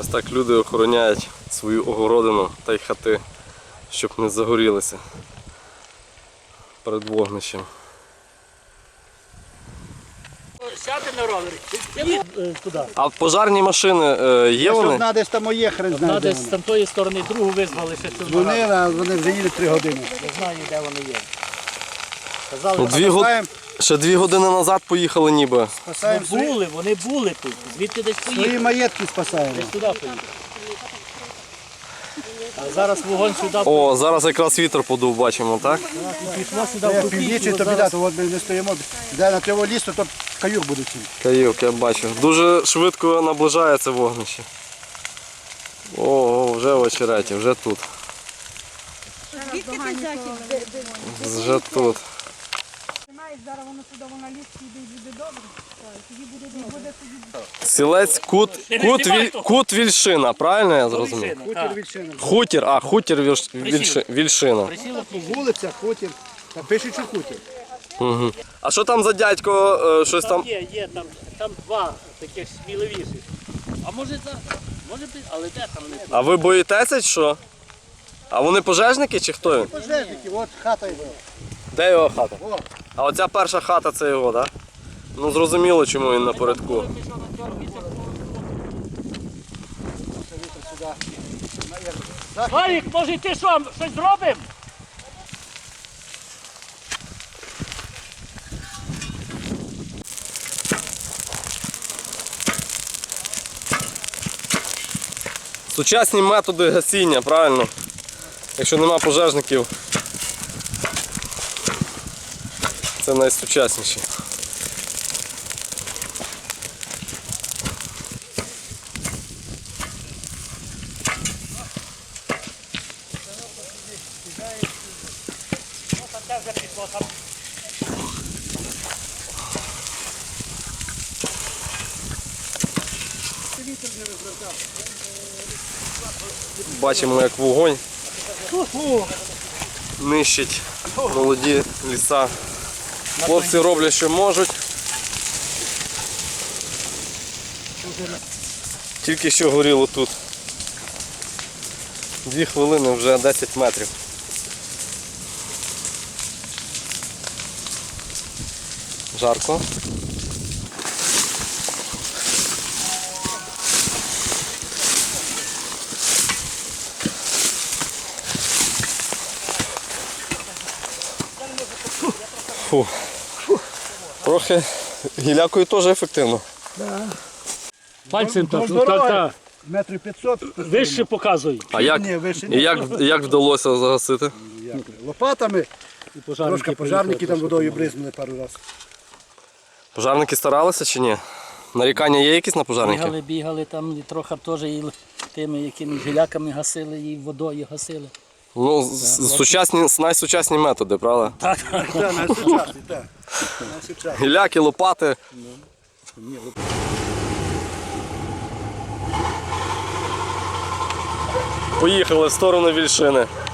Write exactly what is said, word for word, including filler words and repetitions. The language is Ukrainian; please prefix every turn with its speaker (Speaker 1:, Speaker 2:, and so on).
Speaker 1: Ось так люди охороняють свою огородину та й хати, щоб не загорілися перед вогнищем.
Speaker 2: Сяти на ровері, їдь туди.
Speaker 1: А пожарні машини е, є вони?
Speaker 3: Одна десь там моє хрен знає.
Speaker 2: Одна
Speaker 3: де
Speaker 2: десь з
Speaker 3: вона.
Speaker 2: тамтої сторони, другу визвали ще цю
Speaker 3: Вони,
Speaker 2: нараду.
Speaker 3: а вони вже їдуть три години.
Speaker 2: Не знаю, де вони є. Казали,
Speaker 1: Ну, дві год...
Speaker 3: Спасаємо,
Speaker 1: Ще дві години назад поїхали ніби.
Speaker 2: вони
Speaker 3: спасаємо свої,
Speaker 2: були, вони були тут. Звідти десь
Speaker 3: свої
Speaker 2: поїхали.
Speaker 3: маєтки спасаємо.
Speaker 2: Десь туди поїхали. А зараз вогонь сюди
Speaker 1: О, зараз якраз вітер подув, бачимо, так?
Speaker 2: пішло сюди
Speaker 3: Як
Speaker 2: в
Speaker 3: північі,
Speaker 2: купічку.
Speaker 3: то біда, то от ми не стоїмо. Де на того лісу, то каюк буде всім.
Speaker 1: Каюк, я бачу. Дуже швидко наближається вогнище. О, вже в очереті, вже тут. Вже тут.
Speaker 4: Зараз воно сюди, вона ліс піде і буде добре. Тоді буде, буде тоді.
Speaker 1: Сілець кут, кут, віль, кут Вільшина, правильно я зрозумів?
Speaker 3: Хутір Вільшина.
Speaker 1: Хутір, а хутір Вільш- Вільши- Вільшина.
Speaker 3: Вулиця, хутір. Та пишуть, що хутір.
Speaker 1: Угу. А що там за дядько, е, щось
Speaker 2: Там
Speaker 1: там?
Speaker 2: є, є, там, там два таких сміливіших. А може, за, може, би- але де там не
Speaker 1: А ви боїтеся чи що? А вони пожежники чи хто він?
Speaker 3: Пожежники, от хата його.
Speaker 1: Де його хата?
Speaker 3: О.
Speaker 1: А оця перша хата це його, так? Ну зрозуміло, чому він напередку.
Speaker 2: Валік, може ти що, щось зробимо?
Speaker 1: Сучасні методи гасіння, правильно? Якщо нема пожежників, це найсучасніші.
Speaker 2: Там теж вже пішло, там
Speaker 1: Бачимо, як вогонь нищить молоді ліса. Хлопці роблять, що можуть. Тільки що горіло тут. Дві хвилини, вже десять метрів. Жарко. Фу. Трохи гілякою теж ефективно.
Speaker 2: пальцем так,
Speaker 3: Ну,
Speaker 2: так, так.
Speaker 3: Метрів п'ятсот.
Speaker 2: Вище показуй.
Speaker 1: А як,
Speaker 3: Ні, вище
Speaker 1: і
Speaker 3: ні.
Speaker 1: як, як вдалося загасити?
Speaker 3: Як? Лопатами.
Speaker 2: І пожарники
Speaker 3: Трошки пожарники там водою бризнули пару разів.
Speaker 1: Пожарники старалися чи ні? Нарікання є якісь на пожарників?
Speaker 2: Бігали, бігали там і трохи теж і тими якимись гіляками гасили, і водою гасили.
Speaker 1: Ну, з- сучасні, найсучасні методи, правда?
Speaker 2: Так,
Speaker 3: Так, найсучасний, так. Найсучасний.
Speaker 1: Гіляки, лопати. Поїхали в сторону Вільшини.